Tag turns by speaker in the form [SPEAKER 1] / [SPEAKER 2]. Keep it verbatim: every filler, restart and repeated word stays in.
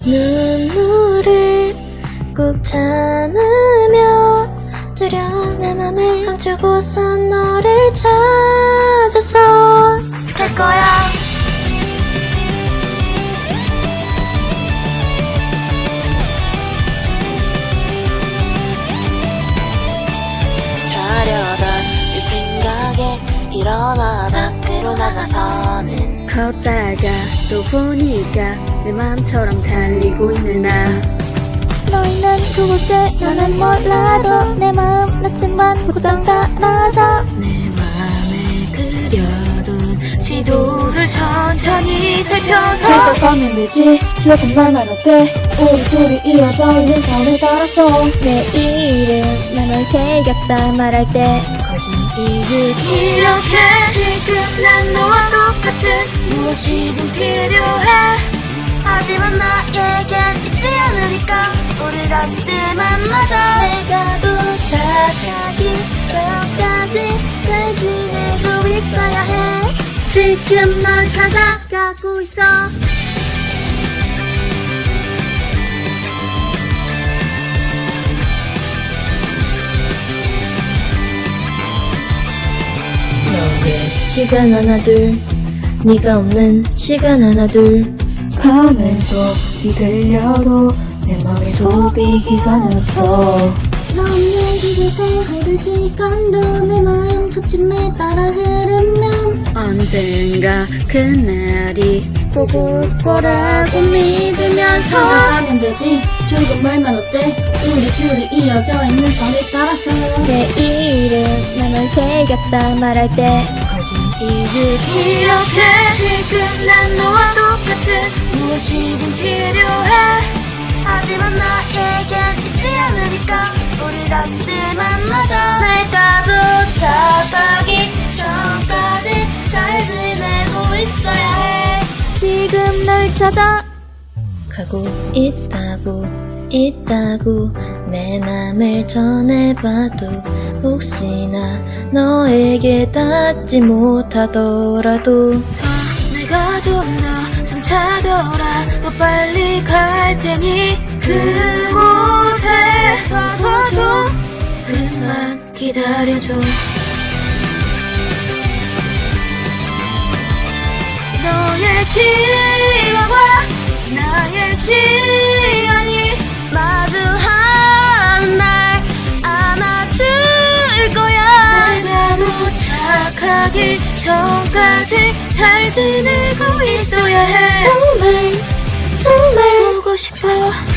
[SPEAKER 1] 눈물을 꾹 참으며 두려운 내 맘을 감추고서 너를 찾아서 갈 거야. 자려던 이 생각에 일어나 밖으로 나가서는
[SPEAKER 2] 걷다가 또 보니까 내 맘처럼 달리고 있는 나.
[SPEAKER 3] 너 있는 그곳에 나는 몰라도 내 마음 낯지만 고정 따라서
[SPEAKER 2] 내 맘에 그려둔 지도를 천천히 살펴서
[SPEAKER 4] 찾아가면 되지. 조금 말만 어때? 우리 둘이 이어져 있는 선을 따라서
[SPEAKER 3] 내 이름 나널 새겼다 말할 때
[SPEAKER 2] 거진 이유 기억해. 지금 난 너와 똑같은 무엇이든 필요해.
[SPEAKER 1] 하지만 나에겐 있지 않으니까 우리 다시 만나자. 내가 도착하기 전까지 잘 지내고 있어야 해.
[SPEAKER 2] 지금 널 찾아가고 있어.
[SPEAKER 1] 너의 시간 하나 둘 네가 없는 시간 하나 둘
[SPEAKER 4] 가는 소리 들려도 내 맘에 소비 기간은 없어.
[SPEAKER 3] 너 없는 이곳에 흐른 시간도 내 마음 초침에 따라 흐르면
[SPEAKER 2] 언젠가 그날이 꼭 올 거라고 믿으면서
[SPEAKER 4] 찾아가면 되지. 조금 말만 어때? 우리 둘이 이어져 있는 선을 따라서
[SPEAKER 3] 내 이름 나널 새겼다 말할 때
[SPEAKER 2] 거진 이유 기억해. 지금 난 너와 똑같은 무엇이든 필요해.
[SPEAKER 1] 하지만 나에겐 있지 않으니까 우리 다시 만나자. 내가 도착하기 전까지 잘 지내고 있어야 해.
[SPEAKER 3] 지금 널 찾아
[SPEAKER 1] 가고 있다고 있다고 내 맘을 전해봐도 혹시나 너에게 닿지 못하더라도
[SPEAKER 2] 더 내가 좀 더 숨차더라 더 빨리 갈 테니 그곳에 서서 좀 그만 기다려줘. 너의 시간과 나의 시간이
[SPEAKER 1] 마주하는 날 안아줄 거야.
[SPEAKER 2] 내가 도착하기 전까지 잘 지내고 있어야 해.
[SPEAKER 1] 정말 정말
[SPEAKER 2] 보고 싶어.